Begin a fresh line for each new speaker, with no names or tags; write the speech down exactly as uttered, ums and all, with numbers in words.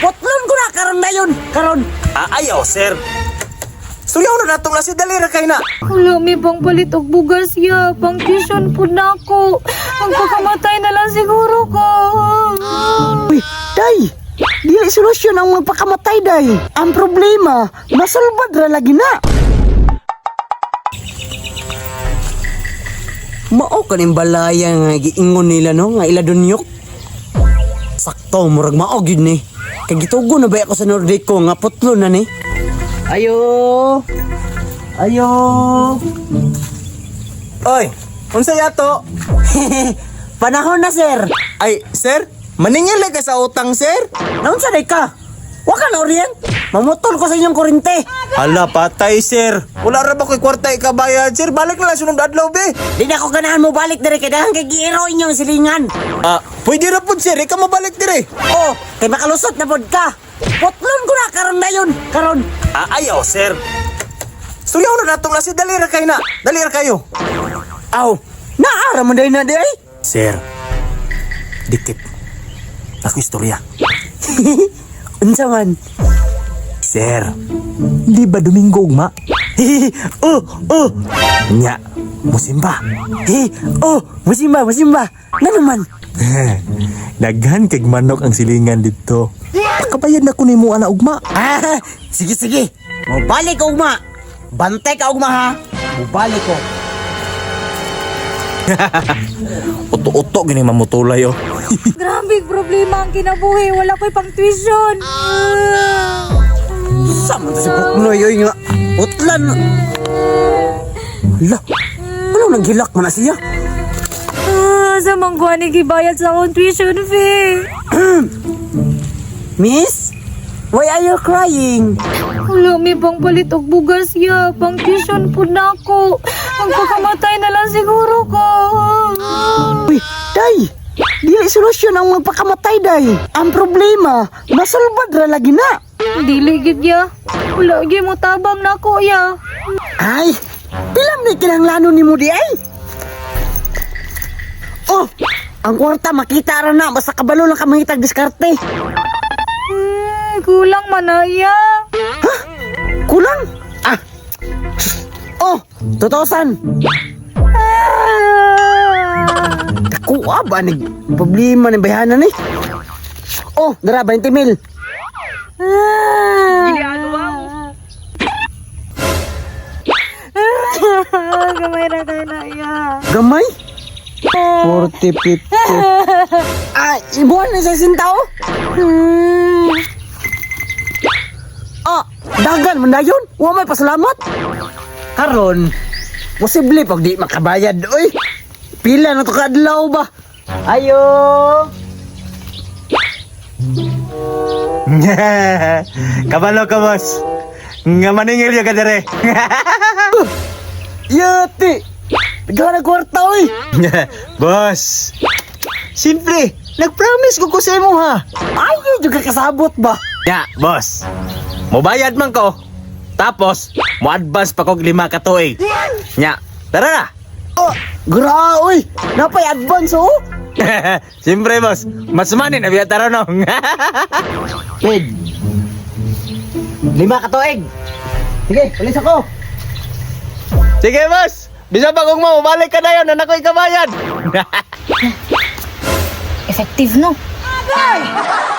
Putlon ko na karon na yun. Karon.
Ah, ayaw, sir. Suyaw na natong na si Dalira kay na.
Wala mi pang palit og bugas ya. Pang tuition po na ako. Magpakamatay na lang siguro ko.
Uy, day. Dili solusyon ang magpakamatay, day. Ang problema, masulbad ra lagi na. Mao kaning balaya nga giingon nila no nga ila dunyok. Sakto murag mao gyud ni. Kay gitugo na ba ako sa Nordico nga putlo na ni. Ayo. Ayo.
Oy, unsa yato?
Panahon na, sir.
Ay, sir, maningil ka sa utang, sir.
Naunsa day ka? Wa ka na orient? Mamutol ko sa inyong kurente.
Hala, patay, sir. Wala ra ba ko'y kwarta ikabayad, sir? Balik na lang sunod adlaw, be.
Di na ko ganahan mo balik dire kay dahang kay giiro inyong silingan.
Ah, pwede ra pud, sir. Ikaw mabalik dire.
Oh, kay makalusot na pod ka. Putlon ko na karon na yun. Karon.
Ah, ayaw, sir. Suyaw na natong na si Dalira kay na. Dalira kayo.
Aw, naara mo day na day.
Sir, dikit. Ako istorya.
Unsa man?
Sir, di ba Domingo ugma?
Oh, oh.
Nya, musimba.
Hey, oh, musimba, musimba. Na naman.
Daghan kag manok ang silingan dito. Pakabayad na ko nimo ana ugma.
Ah, sige sige. Mobalik ko ugma. Bantay ka ugma ha. Mobalik ko.
Uto-uto gini mamutulay oh.
Grabe problema ang kinabuhi. Wala ko'y pang tuition.
Sama to si Puknoy oy nga. Utlan. Hala. Ano nang gilak man na siya?
Ah, sa mangguan ni gibayad sa akong tuition fee.
Miss, why are you crying?
Wala mi pang palit og bugas ya. Pang tuition po na ako. Magpakamatay na lang siguro ko.
Uy, day. Dili solusyon ang magpakamatay, day. Ang problema, masulbad ra lagi na.
Dili gid ya. Wala gyud mo tabang na ako ya.
Ay, pilam ni kinahanglanon nimo di ay. Oh, ang kwarta makita ra na basta kabalo lang ka mangitag diskarte.
Hmm, kulang man na ya.
Ha? Kulang? Ah. Oh, two thousand.
Ah.
Kuha ba ni problema ni bayanan ni? Oh, dara twenty mil.
Ah. Gamay na kayo na ya.
Gamay? forty, fifty. Ah, ibuan na sa sintaw?
Hmm.
Ah, dagan man na yun. Wa may pasalamat. Karon, posible pag di makabayad, oy. Pila na to kadlaw ba? Ayo.
Kabalo ka, boss. Nga maningil ya ka dire.
Yati. Gana kwarta, oy.
Boss. Simple, nag-promise ko ko sa imo ha.
Ayaw juga kasabot ba?
Ya, boss. Mobayad man ko. Tapos, mo advance pa kog lima ka tuig. Nya, tara na.
Oh, gra, oy. Napay advance, oh.
Siyempre, boss. Mas manin na biya tara no.
Ped. Lima katuig. Sige, alis ako.
Sige, boss. Bisa pa kung mo, balik ka na yun. Anak ko ikabayad.
Effective no?